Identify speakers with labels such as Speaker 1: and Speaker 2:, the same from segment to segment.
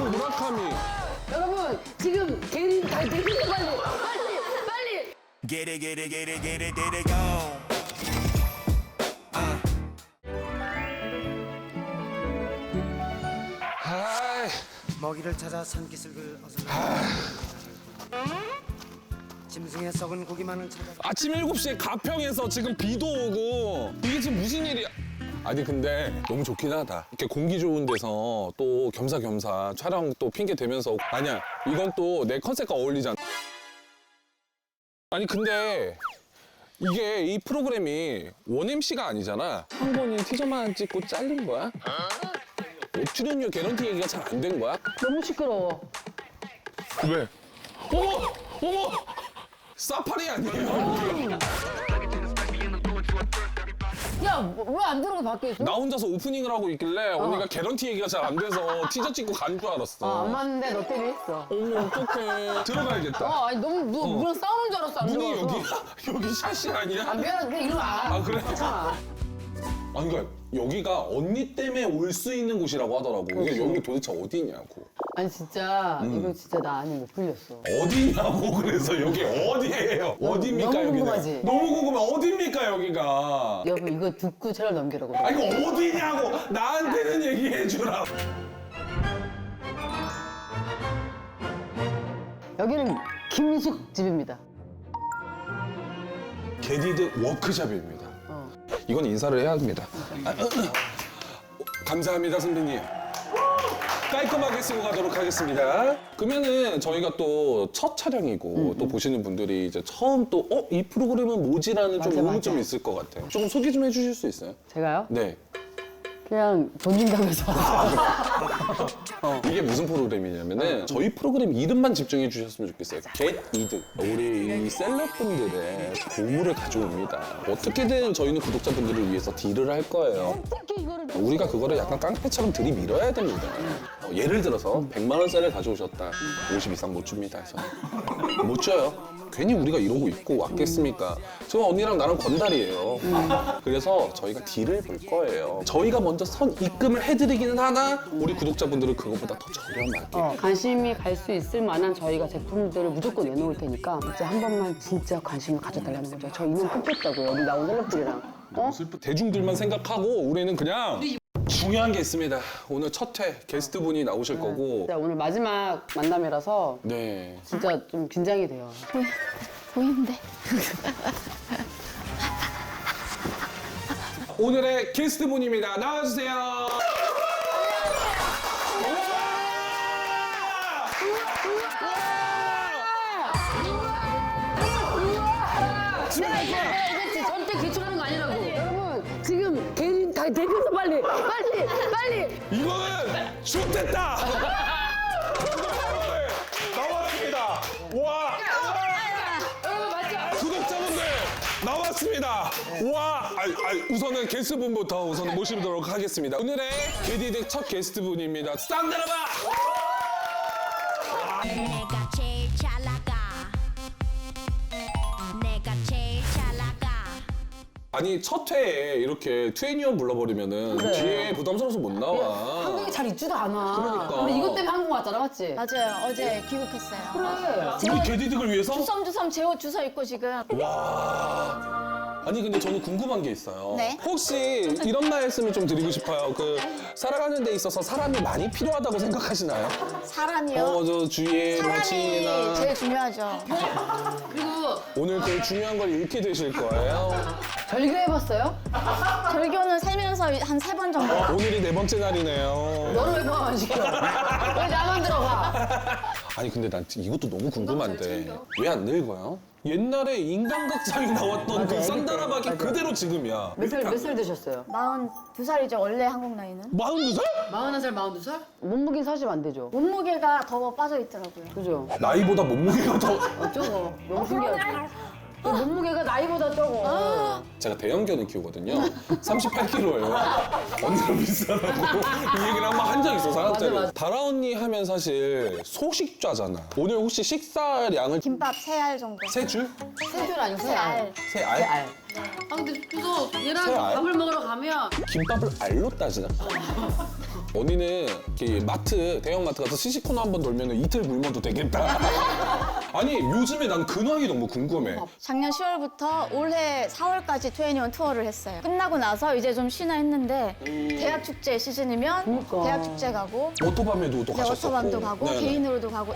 Speaker 1: 무라카미.
Speaker 2: 여러분 지금 개인 다 되겠어 빨리.
Speaker 3: Get it, get it, get it, get it, get it, go.
Speaker 1: 아이,
Speaker 4: 먹이를 찾아 산기슭을 어슬러 짐승의 썩은 고기만을 찾아
Speaker 1: 아침 7시에 가평에서 지금 비도 오고 이게 지금 무슨 일이야? 아니 근데 너무 좋긴 하다. 이렇게 공기 좋은 데서 또 겸사겸사 촬영 또 핑계 대면서 아니야 이건 또 내 컨셉과 어울리잖아. 아니 근데 이게 이 프로그램이 원 MC가 아니잖아. 한 번이 티저만 찍고 잘린 거야? 출연료 개런티 얘기가 잘 안 된 거야?
Speaker 2: 너무 시끄러워.
Speaker 1: 왜? 어머! 사파리 아니에요?
Speaker 2: 야 왜 안 들어가 밖에 있어?
Speaker 1: 나 혼자서 오프닝을 하고 있길래 언니가 개런티 얘기가 잘 안 돼서 티저 찍고 간 줄 알았어.
Speaker 2: 안 맞는데 너 때문에 했어.
Speaker 1: 어머 어떡해. 들어가야겠다.
Speaker 2: 아니 너무 누구랑 싸우는 줄 알았어. 안
Speaker 1: 문이
Speaker 2: 들어가서.
Speaker 1: 여기 샷이 아니야?
Speaker 2: 미안한데 이리 와.
Speaker 1: 아 그래?
Speaker 2: 괜찮아.
Speaker 1: 아니 그러니까 여기가 언니 때문에 올 수 있는 곳이라고 하더라고. 이게 여기 도대체 어디냐고.
Speaker 2: 아니 진짜 이거 진짜 나 아니 못 풀렸어.
Speaker 1: 어디냐고 그래서 여기 어디예요? 어디입니까
Speaker 2: 너무
Speaker 1: 여기는?
Speaker 2: 궁금하지?
Speaker 1: 너무 궁금해. 어디입니까 여기가?
Speaker 2: 여보 이거 듣고 채널 넘기라고.
Speaker 1: 아 이거 어디냐고 나한테는 얘기해 주라.
Speaker 2: 여기는 김숙 집입니다.
Speaker 1: 게디드 워크숍입니다. 이건 인사를 해야 합니다. 감사합니다 선배님. 깔끔하게 쓰고 가도록 하겠습니다. 그러면은 저희가 또 첫 촬영이고 또 보시는 분들이 이제 처음 또 이 프로그램은 뭐지라는 좀
Speaker 2: 맞아,
Speaker 1: 의문점이
Speaker 2: 맞아.
Speaker 1: 있을 것 같아요. 조금 소개 좀 해주실 수 있어요?
Speaker 2: 제가요?
Speaker 1: 네.
Speaker 2: 그냥 돈 준다고 해서.
Speaker 1: 이게 무슨 프로그램이냐면은 저희 프로그램 이름만 집중해 주셨으면 좋겠어요. Get 이득. 우리 이 셀럽분들의 보물을 가져옵니다. 어떻게든 저희는 구독자분들을 위해서 딜을 할 거예요.
Speaker 2: 특히 이거를
Speaker 1: 우리가 그거를 약간 깡패처럼 들이밀어야 됩니다. 예를 들어서 100만 원짜리를 가져오셨다. 50 이상 못 줍니다. 저는. 못 줘요. 괜히 우리가 이러고 있고 왔겠습니까? 저 언니랑 나랑 건달이에요. 그래서 저희가 딜을 볼 거예요. 저희가 먼저 선 입금을 해드리기는 하나 우리 구독자분들은 그거보다 더 저렴하게.
Speaker 2: 관심이 갈 수 있을 만한 저희가 제품들을 무조건 내놓을 테니까 이제 한 번만 진짜 관심을 가져달라는 거죠. 저 인연 끊겠다고 여기 나온 셀럽들이랑.
Speaker 1: 대중들만 생각하고 우리는 그냥 중요한 게 있습니다. 오늘 첫 회 게스트분이 나오실 거고.
Speaker 2: 진짜 오늘 마지막 만남이라서
Speaker 1: 네.
Speaker 2: 진짜 좀 긴장이 돼요.
Speaker 5: 보이는데.
Speaker 1: 오늘의 게스트분입니다. 나와주세요.
Speaker 2: 이거 절대 기초하는 거 아니라고. 여러분 지금 개인 다 대표서 빨리.
Speaker 1: 이거는 좋됐다. 나왔습니다. 와. 구독자분들 나왔습니다. 와. 우선은 게스트분부터 우선 모시도록 하겠습니다. 오늘의 게디덱 첫 게스트분입니다. 쌍드라바.
Speaker 5: 내가 제일 잘 나가. 내가 제일 잘 나가.
Speaker 1: 아니 첫 회에 이렇게 트웬티원 불러버리면은
Speaker 2: 그래.
Speaker 1: 뒤에 부담스러워서 못 나와.
Speaker 2: 한국에 잘 있지도 않아.
Speaker 1: 그러니까.
Speaker 2: 우리 이것 때문에 한국 왔잖아, 맞지?
Speaker 5: 맞아요. 어제 귀국했어요.
Speaker 2: 그래.
Speaker 1: 우리 게디덱을 위해서?
Speaker 5: 주섬주섬 제 옷 주워 입고 지금.
Speaker 1: 와. 아니 근데 저는 궁금한 게 있어요.
Speaker 5: 네?
Speaker 1: 혹시 이런 말씀을 좀 드리고 싶어요. 그 살아가는 데 있어서 사람이 많이 필요하다고 생각하시나요?
Speaker 5: 사람이요?
Speaker 1: 저 주위에 뭐
Speaker 5: 사람이
Speaker 1: 지인이나
Speaker 5: 제일 중요하죠.
Speaker 2: 그리고
Speaker 1: 오늘 그 중요한 걸 잃게 되실 거예요.
Speaker 2: 절교해봤어요?
Speaker 5: 절교는 살면서 한 3번 정도.
Speaker 1: 오늘이 4번째 날이네요.
Speaker 2: 너를 왜 포함 안 시켜? 왜 나만 들어가?
Speaker 1: 아니 근데 난 이것도 너무 궁금한데 왜 안 늙어요? 옛날에 인간극장에 나왔던 그 산다라박이 그대로 지금이야.
Speaker 2: 몇 살 되셨어요?
Speaker 5: 42살이죠, 원래 한국 나이는.
Speaker 1: 42살?
Speaker 2: 41살, 42살? 몸무게 사시면 안 되죠.
Speaker 5: 몸무게가 더 빠져 있더라고요.
Speaker 2: 그죠?
Speaker 1: 나이보다 몸무게가 더...
Speaker 2: 적어. 너무 신기하죠? 그 몸무게가 나이보다 적어.
Speaker 1: 제가 대형견을 키우거든요. 38kg예요. 언니랑 비슷하다고 이 얘기를 한 번 한 적 있어, 사람들이.
Speaker 2: 맞아.
Speaker 1: 다라 언니 하면 사실 소식자잖아. 오늘 혹시 식사량을
Speaker 5: 김밥 3알 정도.
Speaker 1: 세 줄?
Speaker 2: 세줄 아니고 세
Speaker 5: 3알.
Speaker 2: 알.
Speaker 1: 세 알?
Speaker 2: 알.
Speaker 6: 아 근데 그래서 얘랑
Speaker 1: 새 알?
Speaker 6: 밥을 먹으러 가면
Speaker 1: 김밥을 알로 따지나? 언니는 이렇게 마트, 대형 마트 가서 시식 코너 한번 돌면 이틀 굶어도 되겠다. 아니 요즘에 난 근황이 너무 궁금해.
Speaker 5: 작년 10월부터 올해 4월까지 2NE1 투어를 했어요. 끝나고 나서 이제 좀 쉬나 했는데 대학 축제 시즌이면
Speaker 2: 그러니까.
Speaker 5: 대학 축제 가고
Speaker 1: 워터밤에도 또
Speaker 5: 네,
Speaker 1: 가셨었고.
Speaker 5: 워터밤도 가고
Speaker 1: 네네.
Speaker 5: 개인으로도 가고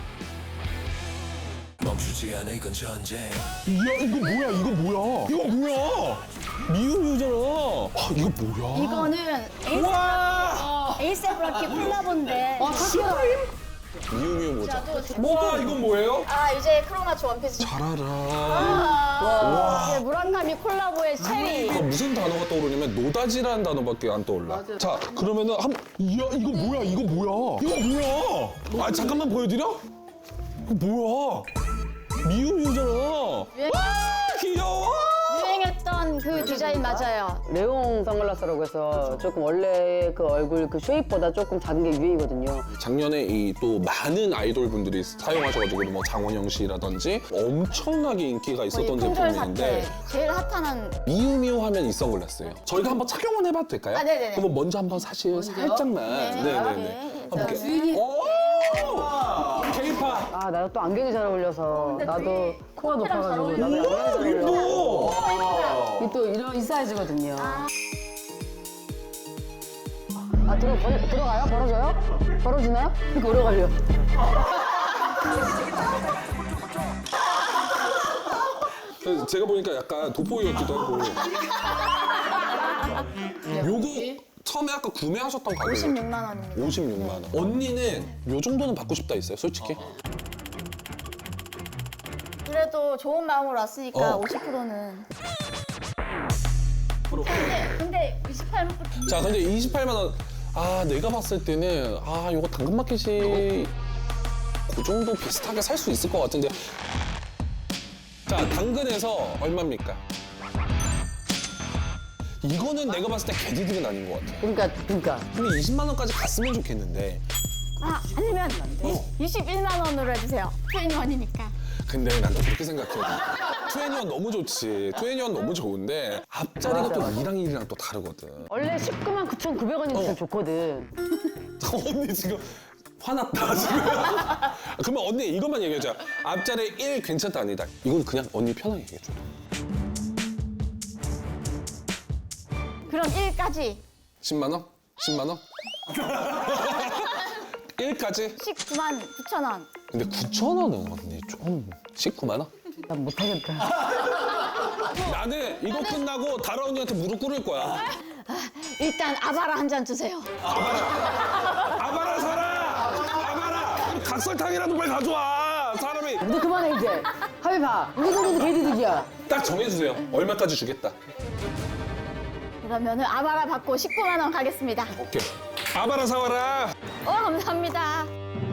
Speaker 3: 멈추지 않아 이건 전쟁.
Speaker 1: 이야 이거 뭐야 이거 뭐야 이거 뭐야 미우미우잖아. 아 이거 뭐야?
Speaker 5: 이거는
Speaker 1: 와
Speaker 5: 에이셉 락키 콜라보인데
Speaker 1: 미우미우 모자.
Speaker 5: 저도
Speaker 1: 와 이건 뭐예요?
Speaker 5: 아 이제 크로마츠 원피스
Speaker 1: 잘 알아.
Speaker 5: 이제 무라카미 콜라보의 체리
Speaker 1: 아, 무슨 단어가 떠오르냐면 노다지라는 단어밖에 안 떠올라. 자 그러면은 한 이야 이거 뭐야 이거 뭐야 이거 뭐야? 아 잠깐만 보여드려? 이거 뭐야? 미우미우잖아. 와 귀여워.
Speaker 5: 유행했던 그 디자인 맞아요.
Speaker 2: 레옹 선글라스라고 해서 조금 원래 그 얼굴 그 쉐입보다 조금 작은 게 유행이거든요.
Speaker 1: 작년에 이 또 많은 아이돌 분들이 사용하셔가지고 뭐 장원영 씨라든지 엄청나게 인기가
Speaker 5: 거의
Speaker 1: 있었던
Speaker 5: 품절
Speaker 1: 제품인데
Speaker 5: 사태 제일 핫한
Speaker 1: 미우미우 하면 이 선글라스예요. 저희가 한번 착용을 해봐도 될까요?
Speaker 5: 아, 네네네.
Speaker 1: 그럼 먼저 한번 사실 살짝만. 네네네.
Speaker 5: 네.
Speaker 1: 한번 볼게요. 오! 케이팝.
Speaker 2: 아, 나도 또 안경이 잘 어울려서 나도 코가 높아가지고 나도 안경이 잘 어울려서
Speaker 1: 이뻐.
Speaker 2: 이게 또 이런 이 사이즈거든요. 아, 들어가요? 벌어져요? 벌어지나요? 이렇게 오래 걸려.
Speaker 1: 그래서 제가 보니까 약간 돋보이였기도 하고. 요거 처음에 아까 구매하셨던 가격이
Speaker 5: 56만 원입니다.
Speaker 1: 56만 원. 언니는 요 정도는 받고 싶다 있어요, 솔직히?
Speaker 5: 그래도 좋은 마음으로 왔으니까
Speaker 1: 어.
Speaker 5: 50%는. 근데 28만
Speaker 1: 자, 근데 28만 원. 아, 내가 봤을 때는 요거 당근마켓이 그 정도 비슷하게 살 수 있을 것 같은데. 자, 당근에서 얼마입니까? 이거는 내가 봤을 때 개디딩은 아닌 것 같아.
Speaker 2: 그러니까.
Speaker 1: 근데 20만 원까지 갔으면 좋겠는데.
Speaker 5: 아니면 21만 원으로 해주세요. 2NE1이니까.
Speaker 1: 근데 난 또 그렇게 생각해. 2NE1 너무 좋지. 2NE1 너무 좋은데 앞자리가 또 2랑 1이랑 또 다르거든.
Speaker 2: 원래 19만 9,900원이면 좋거든.
Speaker 1: 언니 지금 화났다 지금. 그러면 언니 이것만 얘기해줘. 앞자리 1 괜찮다 아니다. 이건 그냥 언니 편하게 얘기해줘.
Speaker 5: 그럼 1까지
Speaker 1: 10만 원? 10만 원? 1까지?
Speaker 5: 19만 9천 원.
Speaker 1: 근데 9천 원은 언니 좀 19만 원?
Speaker 2: 난 못하겠다.
Speaker 1: 나는 이거 끝나고 다라 언니한테 무릎 꿇을 거야.
Speaker 5: 일단 아바라 한 잔 주세요.
Speaker 1: 아바라 사라! 아바라! 각설탕이라도 빨리 가져와! 사람이
Speaker 2: 근데 그만해 이제. 하비 봐. 우리 정도도 개디득이야.
Speaker 1: 딱 정해주세요. 얼마까지 주겠다.
Speaker 5: 그러면은 아바라 받고 19만 원 가겠습니다.
Speaker 1: 오케이. 아바라 사와라!
Speaker 5: 감사합니다.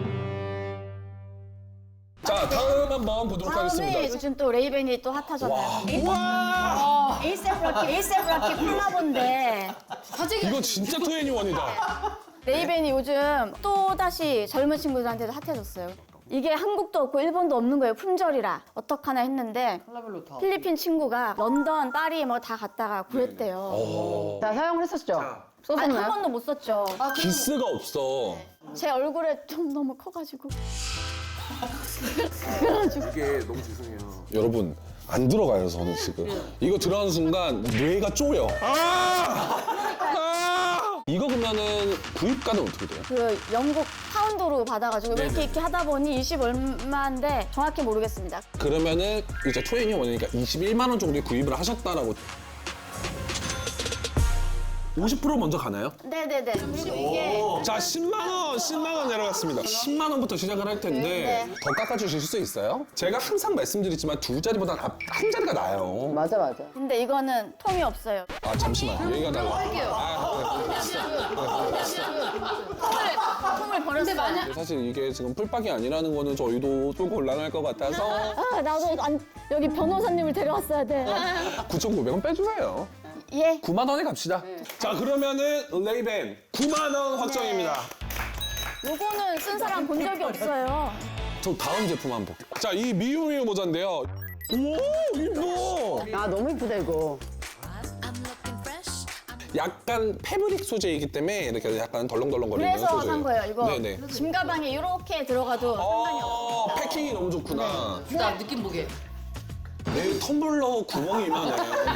Speaker 1: 자, 다음 한번 보도록 하겠습니다.
Speaker 5: 다음에 요즘 또 레이벤이 또 핫하잖아요.
Speaker 1: 와!
Speaker 5: 에이셉 락키 콜라보인데
Speaker 1: 이거 진짜 2NE1이다.
Speaker 5: 레이벤이 요즘 또 다시 젊은 친구들한테도 핫해졌어요. 이게 한국도 없고 일본도 없는 거예요. 품절이라 어떡하나 했는데 필리핀 친구가 런던, 파리 뭐 다 갔다가 구했대요.
Speaker 2: 자, 사용을 했었죠?
Speaker 5: 아니 한
Speaker 2: 썼었나요?
Speaker 5: 번도 못 썼죠.
Speaker 1: 기스가 없어.
Speaker 5: 제 얼굴에 좀 너무 커가지고.
Speaker 1: 이게 너무 죄송해요. 여러분, 안 들어가요, 저는 지금. 이거 들어가는 순간 뇌가 쪼여. 이거 그러면은 구입가는 어떻게 돼요?
Speaker 5: 그 영국 파운드로 받아가지고 이렇게 하다 보니 20 얼마인데 정확히 모르겠습니다.
Speaker 1: 그러면은 이제 2NE1이니까 21만 원 정도에 구입을 하셨다라고. 50% 먼저 가나요?
Speaker 5: 네네네. 그리고 이게
Speaker 1: 자, 10만 원 내려갔습니다. 10만 원부터 시작을 할 텐데
Speaker 5: 네.
Speaker 1: 더 깎아주실 수 있어요? 제가 항상 말씀드리지만 두 자리보다 한 자리가 나아요.
Speaker 2: 맞아.
Speaker 5: 근데 이거는 통이 없어요.
Speaker 1: 아, 잠시만. 여기가 달라.
Speaker 5: 통을 버렸어요.
Speaker 1: 사실 이게 지금 풀박이 아니라는 거는 저희도 좀 곤란할 것 같아서
Speaker 5: 아 나도 여기 변호사님을 데려왔어야 돼.
Speaker 1: 9,900원 빼주세요.
Speaker 5: 예.
Speaker 1: 9만 원에 갑시다. 자, 그러면은 레이벤 9만 원 확정입니다.
Speaker 5: 요거는 쓴 사람 본 적이 없어요.
Speaker 1: 저 다음 제품 한번 볼게요. 자, 이 미우미우 모자인데요. 오, 이뻐.
Speaker 2: 아, 너무 이쁘다 이거.
Speaker 1: 약간 패브릭 소재이기 때문에 이렇게 약간 덜렁덜렁거리는
Speaker 5: 그래서
Speaker 1: 소재.
Speaker 5: 산 거예요. 이거
Speaker 1: 네네.
Speaker 5: 짐 가방에 이렇게 들어가도 상관이 없어요.
Speaker 1: 패킹이 너무 좋구나.
Speaker 2: 나 느낌 보게.
Speaker 1: 내 텀블러 구멍이 이만해.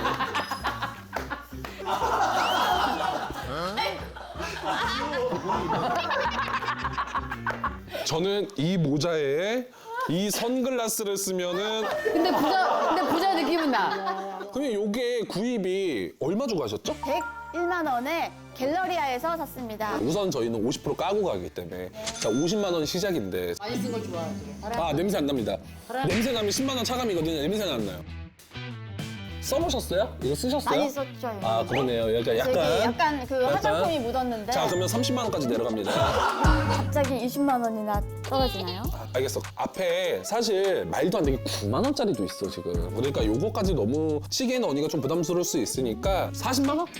Speaker 1: 저는 이 모자에 이 선글라스를 쓰면은
Speaker 2: 근데 부자 느낌은 나.
Speaker 1: 그냥 요게 구입이 얼마 주고 하셨죠?
Speaker 5: 101만 원에 갤러리아에서 샀습니다.
Speaker 1: 우선 저희는 50% 까고 가기 때문에 자 50만 원 시작인데
Speaker 2: 많이 쓴 걸 좋아하지.
Speaker 1: 아 냄새 안 납니다. 냄새 나면 10만 원 차감이거든요. 냄새는 안 나요. 써보셨어요? 이거 쓰셨어요?
Speaker 5: 많이 썼죠.
Speaker 1: 아 그러네요. 약간
Speaker 5: 되게 약간 그 화장품이 묻었는데
Speaker 1: 자 그러면 30만 원까지 내려갑니다.
Speaker 5: 갑자기 20만 원이나 떨어지나요?
Speaker 1: 알겠어. 앞에 사실 말도 안 되게 9만 원짜리도 있어 지금. 그러니까 요거까지 너무 시계는 언니가 좀 부담스러울 수 있으니까 40만 원?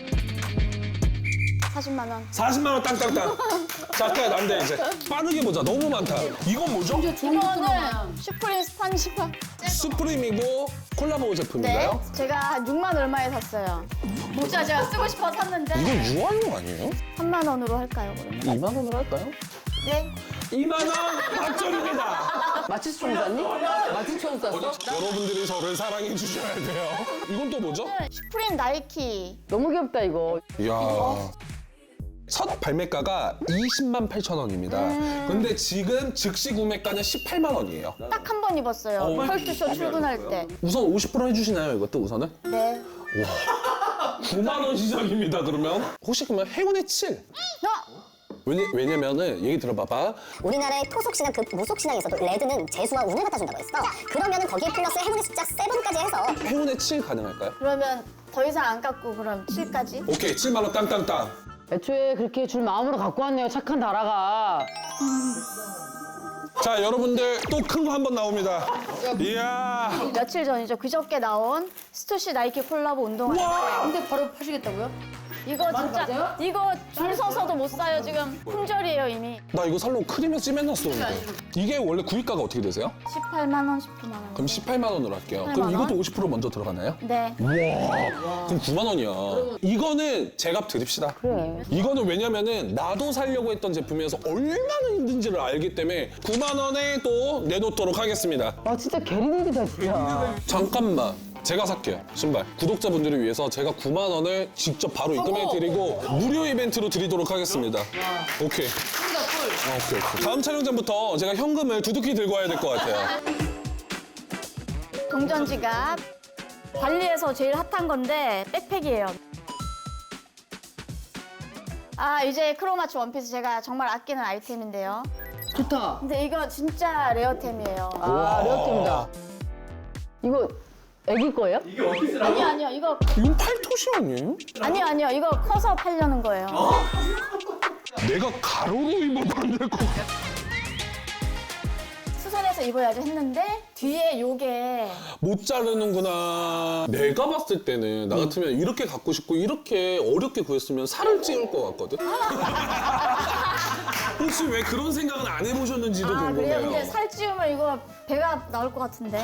Speaker 5: 40만 원.
Speaker 1: 40만 원 땅땅땅. 잠깐 안 돼 이제. 빠르게 보자. 너무 많다. 이건 뭐죠?
Speaker 5: 이거는 슈프림 스펀지밥.
Speaker 1: 수프림이고 콜라보
Speaker 5: 네.
Speaker 1: 제품인가요?
Speaker 5: 제가 6만 얼마에 샀어요. 모자 제가 쓰고 싶어 샀는데
Speaker 1: 이건 유아용 아니에요?
Speaker 5: 3만 원으로 할까요, 그러면?
Speaker 1: 2만 원으로 할까요?
Speaker 5: 네.
Speaker 1: 2만 원 만점입니다.
Speaker 2: 마취총 샀니? 마취총 샀어?
Speaker 1: 여러분들이 저를 사랑해 주셔야 돼요. 이건 또 뭐죠?
Speaker 5: 슈프림 나이키.
Speaker 2: 너무 귀엽다 이거.
Speaker 1: 이야. 첫 발매가가 20만 8천 원입니다. 근데 지금 즉시 구매가는 18만 원이에요.
Speaker 5: 딱 한 번 입었어요. 컬투쇼 출근할 때.
Speaker 1: 우선 50% 해주시나요, 이것도 우선은?
Speaker 5: 네.
Speaker 1: 9만 원 시작입니다, 그러면. 혹시 그러면 행운의 7? 왜냐면은 얘기 들어봐봐.
Speaker 6: 우리나라의 토속신앙 그 무속신앙에서도 레드는 재수와 운을 갖다 준다고 했어. 그러면은 거기에 플러스 행운의 숫자 7까지 해서
Speaker 1: 행운의 7 가능할까요?
Speaker 5: 그러면 더 이상 안 깎고 그럼 7까지?
Speaker 1: 오케이, 7만 원 땅땅땅.
Speaker 2: 애초에 그렇게 줄 마음으로 갖고 왔네요. 착한 다라가.
Speaker 1: 자, 여러분들 또 큰 거 한 번 나옵니다. 이야.
Speaker 5: 며칠 전이죠. 그저께 나온 스투시 나이키 콜라보 운동화.
Speaker 2: 근데 바로 파시겠다고요?
Speaker 5: 이거 진짜
Speaker 2: 맞아요?
Speaker 5: 이거 줄 서서도 못 사요. 지금 품절이에요 이미.
Speaker 1: 나 이거 살려고 크림에 찜해놨었는데. 이게 원래 구입가가 어떻게 되세요?
Speaker 5: 18만 원, 19만 원.
Speaker 1: 그럼 18만 원으로 할게요.
Speaker 5: 18만
Speaker 1: 그럼
Speaker 5: 원?
Speaker 1: 이것도 50% 먼저 들어가나요?
Speaker 5: 네.
Speaker 1: 우와, 그럼 9만 원이야. 이거는 제값 드립시다.
Speaker 2: 그래.
Speaker 1: 이거는 왜냐면은 나도 살려고 했던 제품이어서 얼마나 힘든지를 알기 때문에 9만 원에 또 내놓도록 하겠습니다.
Speaker 2: 아 진짜 게리들이다 진짜.
Speaker 1: 잠깐만. 제가 살게요, 신발. 구독자분들을 위해서 제가 9만 원을 직접 바로 입금해드리고 무료 이벤트로 드리도록 하겠습니다. 오케이. 오케이. 다음 촬영전부터 제가 현금을 두둑히 들고 와야 될 것 같아요.
Speaker 5: 동전 지갑. 발리에서 제일 핫한 건데 백팩이에요. 아 이제 크로마츠 원피스 제가 정말 아끼는 아이템인데요.
Speaker 2: 좋다.
Speaker 5: 근데 이거 진짜 레어템이에요.
Speaker 2: 아 레어템이다. 이거 애기 거예요?
Speaker 5: 아니요 이거
Speaker 1: 이건 팔토시 아니에요?
Speaker 5: 아니요 이거 커서 팔려는 거예요.
Speaker 1: 내가 가로로 입으면 안 될 것 같아.
Speaker 5: 수선해서 입어야지 했는데 뒤에 요게
Speaker 1: 못 자르는구나. 내가 봤을 때는 나 같으면 이렇게 갖고 싶고 이렇게 어렵게 구했으면 살을 찌울 것 같거든. 혹시 왜 그런 생각은 안 해보셨는지도
Speaker 5: 아
Speaker 1: 궁금해요.
Speaker 5: 그래요? 근데 살 찌우면 이거 배가 나올 것 같은데.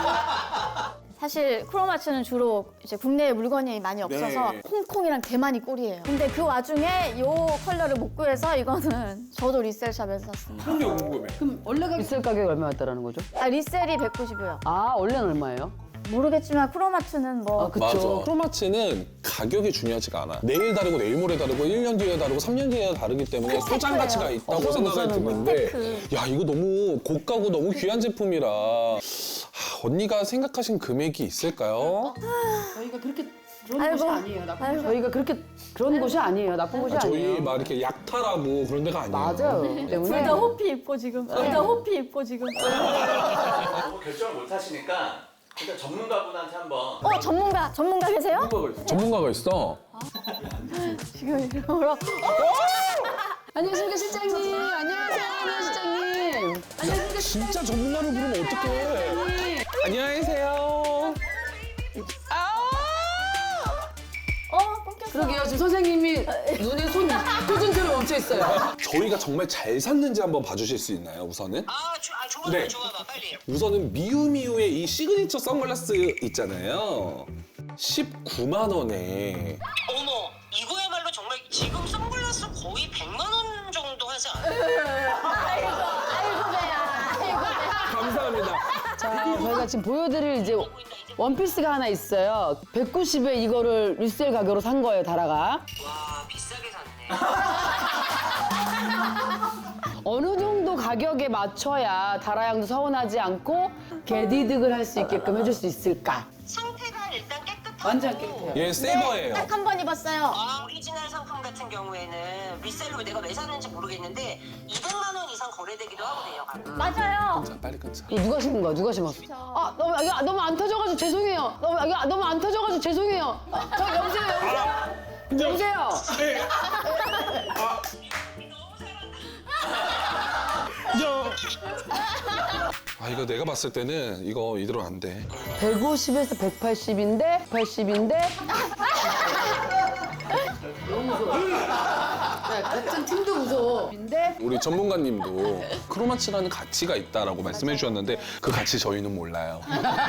Speaker 5: 사실 크로마츠는 주로 이제 국내에 물건이 많이 없어서
Speaker 1: 네.
Speaker 5: 홍콩이랑 대만이 꿀이에요. 근데 그 와중에 요 컬러를 못 구해서 이거는 저도 리셀샵에서 샀습니다.
Speaker 1: 그런 게 궁금해.
Speaker 2: 그럼 원래가 리셀 가격이 얼마였다라는 거죠?
Speaker 5: 아 리셀이 190이요.
Speaker 2: 아 원래는 얼마예요?
Speaker 5: 모르겠지만 크로마츠는 뭐
Speaker 2: 그쵸.
Speaker 1: 맞아. 크로마츠는 가격이 중요하지가 않아. 내일 다르고 내일 모레 다르고 1년 뒤에 다르고 3년 뒤에 다르기 때문에
Speaker 5: 그
Speaker 1: 소장 가치가
Speaker 5: 테크예요.
Speaker 1: 있다고 생각이 드는데
Speaker 5: 테크.
Speaker 1: 야 이거 너무 고가고 너무 귀한 제품이라 언니가 생각하신 금액이 있을까요?
Speaker 2: 저희가 그렇게 그런
Speaker 5: 아이고.
Speaker 2: 곳이 아니에요. 나쁜
Speaker 5: 아이고.
Speaker 2: 곳이 저희가 그렇게 그런 곳이 아니에요. 나쁜 곳이
Speaker 1: 저희
Speaker 2: 아니에요.
Speaker 1: 막 이렇게 약탈하고 그런 데가 아니에요.
Speaker 2: 맞아요. 때문에
Speaker 5: 둘 다 호피 입고 지금 둘 다 호피 입고 지금
Speaker 7: 결정을 못 하시니까 일단 전문가분한테 한번
Speaker 5: 전문가 계세요?
Speaker 1: 전문가가 있어.
Speaker 5: 지금 이러므로
Speaker 2: 안녕하십니까 실장님. 안녕하세요 실장님. 안녕하십니까
Speaker 1: 진짜 전문가를 부르면 어떡해. 안녕하세요.
Speaker 5: 뻥꼈어.
Speaker 2: 그러게요. 지금 선생님이 눈에 표준처럼 멈춰 있어요.
Speaker 1: 저희가 정말 잘 샀는지 한번 봐주실 수 있나요, 우선은?
Speaker 7: 좋아
Speaker 1: 네.
Speaker 7: 좋아봐 빨리.
Speaker 1: 우선은 미우미우의 이 시그니처 선글라스 있잖아요. 19만 원에
Speaker 7: 어머
Speaker 8: 지금 선글라스 거의 100만 원 정도 하지 않아요?
Speaker 5: 아이고 배야.
Speaker 1: 감사합니다.
Speaker 2: 자, 저희가 지금 보여드릴 이제 원피스가 하나 있어요. 190에 이거를 리셀 가격으로 산 거예요, 다라가.
Speaker 8: 와 비싸게 샀네.
Speaker 2: 어느 정도 가격에 맞춰야 다라 양도 서운하지 않고 개디득을 할 수 있게끔 해줄 수 있을까?
Speaker 8: 상태가 일단 깨끗하고
Speaker 2: 완전 깨끗해요.
Speaker 1: 얘 새 거예요.
Speaker 5: 딱 한 번 입었어요.
Speaker 8: 오리지널 상품 같은 경우에는 리셀로 내가 왜 샀는지 모르겠는데 200만 원 이상 거래되기도 하거든요. 가끔.
Speaker 5: 맞아요.
Speaker 1: 자, 빨리 끊자.
Speaker 2: 이거 누가 신은 거야? 누가 신었어? 아, 너무 안 터져가지고 죄송해요. 너무 안 터져가지고 죄송해요. 저 여보세요.
Speaker 1: 아, 이거 내가 봤을 때는 이거 이대로 안 돼.
Speaker 2: 150에서 180인데 80인데 너무 무서워. 같은 팀도 무서워. 인데
Speaker 1: 우리 전문가님도 크로마치라는 가치가 있다라고 말씀해 주셨는데 그 가치 저희는 몰라요.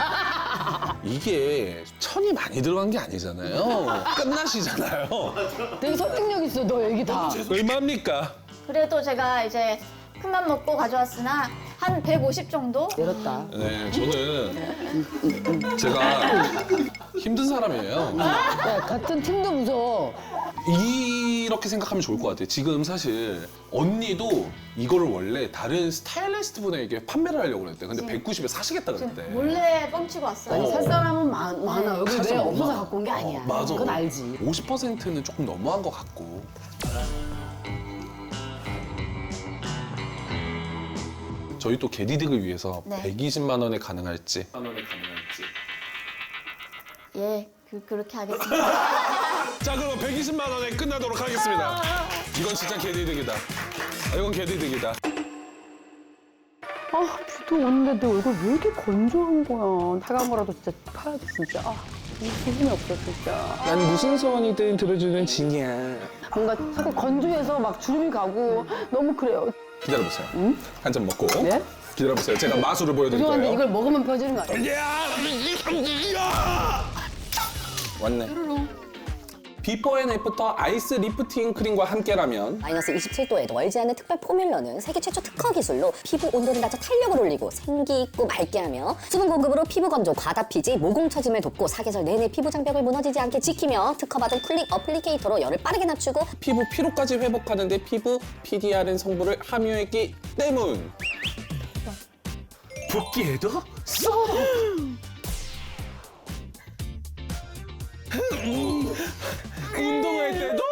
Speaker 1: 이게 천이 많이 들어간 게 아니잖아요. 끝나시잖아요.
Speaker 2: 되게 설득력 있어. 너 얘기 다.
Speaker 1: 얼마입니까?
Speaker 5: 그래도 제가 이제 큰맘 먹고 가져왔으나 한 150 정도?
Speaker 2: 내렸다.
Speaker 1: 네, 저는 제가 힘든 사람이에요.
Speaker 2: 야, 같은 팀도 무서워.
Speaker 1: 이렇게 생각하면 좋을 것 같아요. 지금 사실 언니도 이거를 원래 다른 스타일리스트 분에게 판매를 하려고 그랬대. 근데 190에 사시겠다 그랬대.
Speaker 5: 몰래 뻥치고 왔어요.
Speaker 2: 아니, 살 사람은 많아. 여기 왜
Speaker 1: 사실
Speaker 2: 없어서
Speaker 1: 많아.
Speaker 2: 갖고 온 게 아니야.
Speaker 1: 맞아.
Speaker 2: 그건 알지.
Speaker 1: 50%는 조금 너무한 것 같고. 저희 또 개디득을 위해서
Speaker 5: 네.
Speaker 1: 120만 원에 가능할지.
Speaker 5: 예, 그렇게 하겠습니다.
Speaker 1: 자, 그럼 120만 원에 끝나도록 하겠습니다. 이건 진짜 개디득이다. 이건 개디득이다.
Speaker 2: 아, 비도 오는데 내 얼굴 왜 이렇게 건조한 거야. 타간 거라도 진짜 파야 돼, 진짜. 아, 기분이 없어, 진짜.
Speaker 1: 난 무슨 소원이든 들어주는 진이야.
Speaker 2: 뭔가 자꾸 건조해서 막 주름이 가고 너무 그래요.
Speaker 1: 기다려보세요. 한 잔 먹고.
Speaker 2: 네?
Speaker 1: 기다려보세요. 제가 마술을 보여드릴게요.
Speaker 2: 죄송한데 이걸 먹으면 펴지는 거 아니에요?
Speaker 1: 왔네. 비포 앤 애프터 아이스 리프팅 크림과 함께라면
Speaker 6: 마이너스 27도에 멀지 않은 특별 포뮬러는 세계 최초 특허 기술로 피부 온도를 낮춰 탄력을 올리고 생기 있고 맑게 하며 수분 공급으로 피부 건조, 과다 피지, 모공 처짐을 돕고 사계절 내내 피부 장벽을 무너지지 않게 지키며 특허받은 쿨링 어플리케이터로 열을 빠르게 낮추고
Speaker 1: 피부 피로까지 회복하는데 피부 PDRN 성분을 함유했기 때문. 붓기에도 쏙! 운동할 때도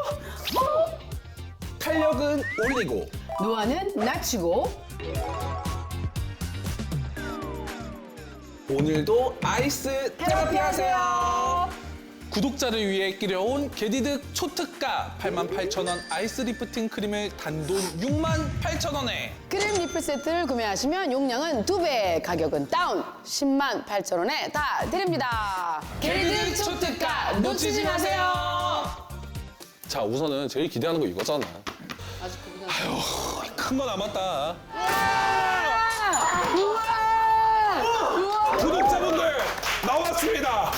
Speaker 1: 탄력은 올리고
Speaker 2: 노화는 낮추고
Speaker 1: 오늘도 아이스 테라피 하세요. 구독자를 위해 끼려온 개디득 초특가 88,000원 아이스 리프팅 크림을 단돈 68,000원에
Speaker 2: 크림 리플 세트를 구매하시면 용량은 2배, 가격은 다운 108,000원에 다 드립니다. 개디득 초특가 놓치지 마세요.
Speaker 1: 자, 우선은 제일 기대하는 거 이거잖아. 아휴, 큰 거 남았다. 구독자분들 나왔습니다.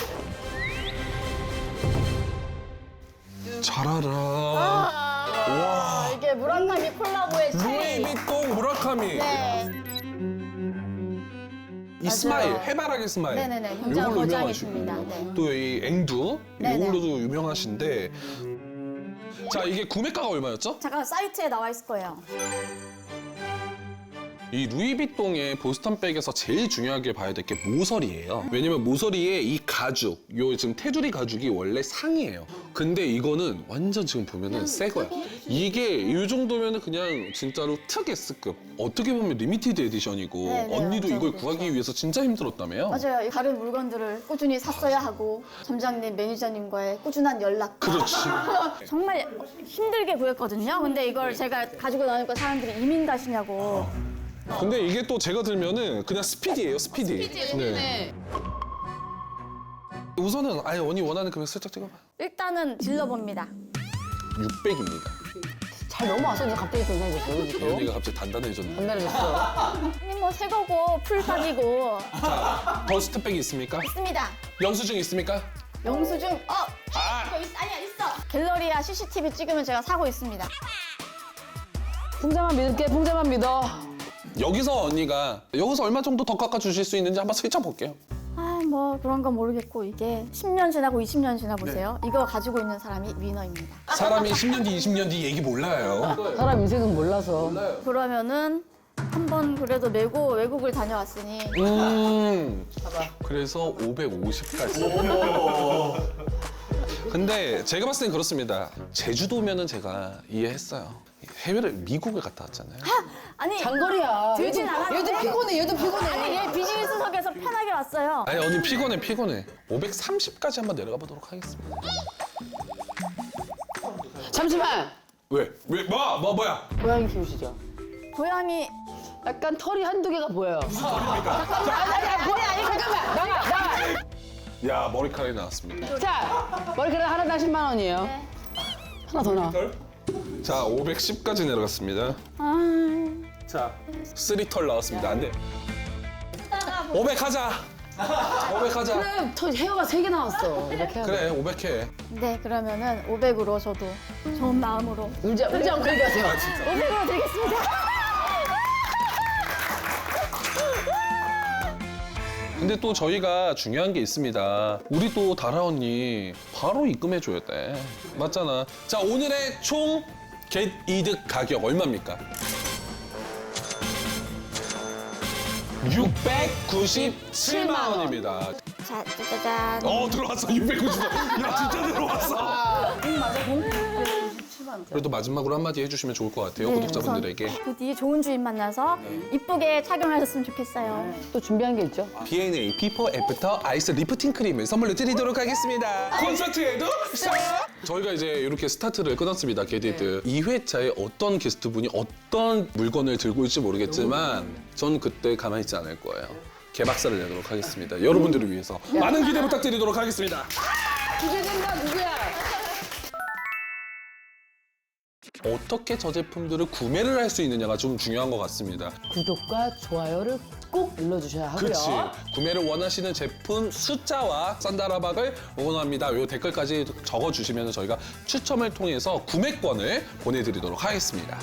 Speaker 1: 잘 알아.
Speaker 5: 이게 무라카미 콜라보의 차이.
Speaker 1: 루이비통 무라카미.
Speaker 5: 네.
Speaker 1: 이 스마일, 해바라기 스마일.
Speaker 5: 네네네, 굉장히
Speaker 1: 이걸로
Speaker 5: 거장이십니다.
Speaker 1: 유명하시고.
Speaker 5: 네.
Speaker 1: 또 이 앵두,
Speaker 5: 네네.
Speaker 1: 이걸로도 유명하신데. 자, 이게 구매가가 얼마였죠?
Speaker 5: 잠깐 사이트에 나와 있을 거예요.
Speaker 1: 이 루이비통의 보스턴백에서 제일 중요하게 봐야 될 게 모서리예요. 왜냐면 모서리에 이 가죽, 요 지금 테두리 가죽이 원래 상이에요. 근데 이거는 완전 지금 보면은 새 거야. 이게 이 정도면은 그냥 진짜로 특 S급. 어떻게 보면 리미티드 에디션이고
Speaker 5: 네, 네,
Speaker 1: 언니도
Speaker 5: 맞죠.
Speaker 1: 이걸 구하기 위해서 진짜 힘들었다며요.
Speaker 5: 맞아요. 다른 물건들을 꾸준히 샀어야 하고 점장님, 매니저님과의 꾸준한 연락.
Speaker 1: 그렇지.
Speaker 5: 정말 힘들게 구했거든요. 근데 이걸 제가 가지고 나니까 사람들이 이민 가시냐고.
Speaker 1: 근데 이게 또 제가 들면은 그냥 스피디예요, 스피디. 네. 우선은 아예 언니 원하는 금액 슬쩍 찍어봐.
Speaker 5: 일단은 질러봅니다.
Speaker 1: 600입니다.
Speaker 2: 잘 넘어와서 이제 갑자기 괜찮아졌어요.
Speaker 1: 언니가 갑자기 단단해졌네.
Speaker 2: 단단해졌어.
Speaker 5: 아니 뭐 새 거고 풀딱이고
Speaker 1: 자, 버스트백이 있습니까?
Speaker 5: 있습니다.
Speaker 1: 영수증 있습니까?
Speaker 5: 영수증.
Speaker 1: 아!
Speaker 5: 이거 아니야 있어. 갤러리아 CCTV 찍으면 제가 사고 있습니다.
Speaker 2: 풍자만 믿을게, 풍자만 믿어.
Speaker 1: 여기서 언니가 여기서 얼마 정도 더 깎아주실 수 있는지 한번 슬쩍 볼게요.
Speaker 5: 아, 뭐 그런 건 모르겠고 이게 10년 지나고 20년 지나보세요. 이거 가지고 있는 사람이 위너입니다.
Speaker 1: 사람이 10년 뒤, 20년 뒤 얘기 몰라요.
Speaker 2: 사람 인생은 몰라서.
Speaker 5: 그러면은 한번 그래도 메고 외국을 다녀왔으니
Speaker 1: 그래서 550까지. 근데 제가 봤을 땐 그렇습니다. 제주도면은 제가 이해했어요. 해외를 미국을 갔다 왔잖아요.
Speaker 5: 아니
Speaker 2: 장거리야.
Speaker 5: 들진 않았는데.
Speaker 2: 얘도 피곤해, 얘도 피곤해.
Speaker 5: 아니 얘 비즈니스석에서 편하게 왔어요.
Speaker 1: 아니 언니 피곤해. 530까지 한번 내려가 보도록 하겠습니다.
Speaker 2: 잠시만.
Speaker 1: 왜? 뭐야?
Speaker 2: 고양이 키우시죠?
Speaker 5: 고양이
Speaker 2: 약간 털이 한두 개가 보여요. 아니, 잠깐만. 나와.
Speaker 1: 야 머리카락이 나왔습니다.
Speaker 2: 자, 머리카락 하나당 10만 원이에요. 하나 더 나와.
Speaker 1: 자 510까지 내려갔습니다. 자 3털 나왔습니다. 안 돼. 500 하자. 500 하자.
Speaker 2: 그래, 헤어가 3개 나왔어. 이렇게 해야 돼.
Speaker 1: 그래 500 해.
Speaker 5: 네 그러면은 500으로 저도 좋은 마음으로
Speaker 2: 울지 않고 얘기하세요.
Speaker 5: 500으로 드리겠습니다.
Speaker 1: 근데 또 저희가 중요한 게 있습니다. 우리 또 다라 언니 바로 입금해줘야 돼. 맞잖아. 자 오늘의 총 겟 이득 가격 얼마입니까? 697만 원입니다.
Speaker 5: 자 짜자잔.
Speaker 1: 들어왔어 690원. 야 진짜 들어왔어.
Speaker 5: 맞아.
Speaker 1: 그래도 마지막으로 한마디 해주시면 좋을 것 같아요.
Speaker 5: 네,
Speaker 1: 구독자분들에게.
Speaker 5: 우선 부디 좋은 주인 만나서 이쁘게 착용하셨으면 좋겠어요.
Speaker 2: 또 준비한 게 있죠?
Speaker 1: B&A 비포 애프터 아이스 리프팅 크림을 선물로 드리도록 하겠습니다. 콘서트에도 저희가 이제 이렇게 스타트를 끊었습니다. 게디드 2회차에 어떤 게스트분이 어떤 물건을 들고 올지 모르겠지만 전 그때 가만히 있지 않을 거예요. 개박살을 내도록 하겠습니다. 여러분들을 위해서 많은 기대 부탁드리도록 하겠습니다.
Speaker 2: 기대된다, 누구야?
Speaker 1: 어떻게 저 제품들을 구매를 할 수 있느냐가 좀 중요한 것 같습니다.
Speaker 2: 구독과 좋아요를 꼭 눌러주셔야 하고요.
Speaker 1: 그치. 구매를 원하시는 제품 숫자와 썬다라박을 응원합니다. 요 댓글까지 적어주시면 저희가 추첨을 통해서 구매권을 보내드리도록 하겠습니다.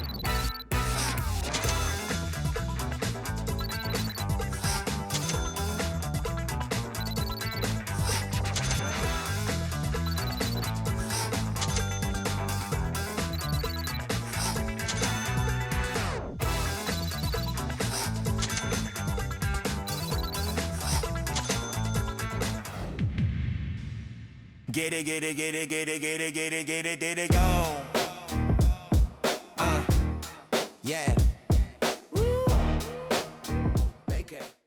Speaker 3: Get it, get it, get it, get it, get it, get it, get it, get it, go. Yeah.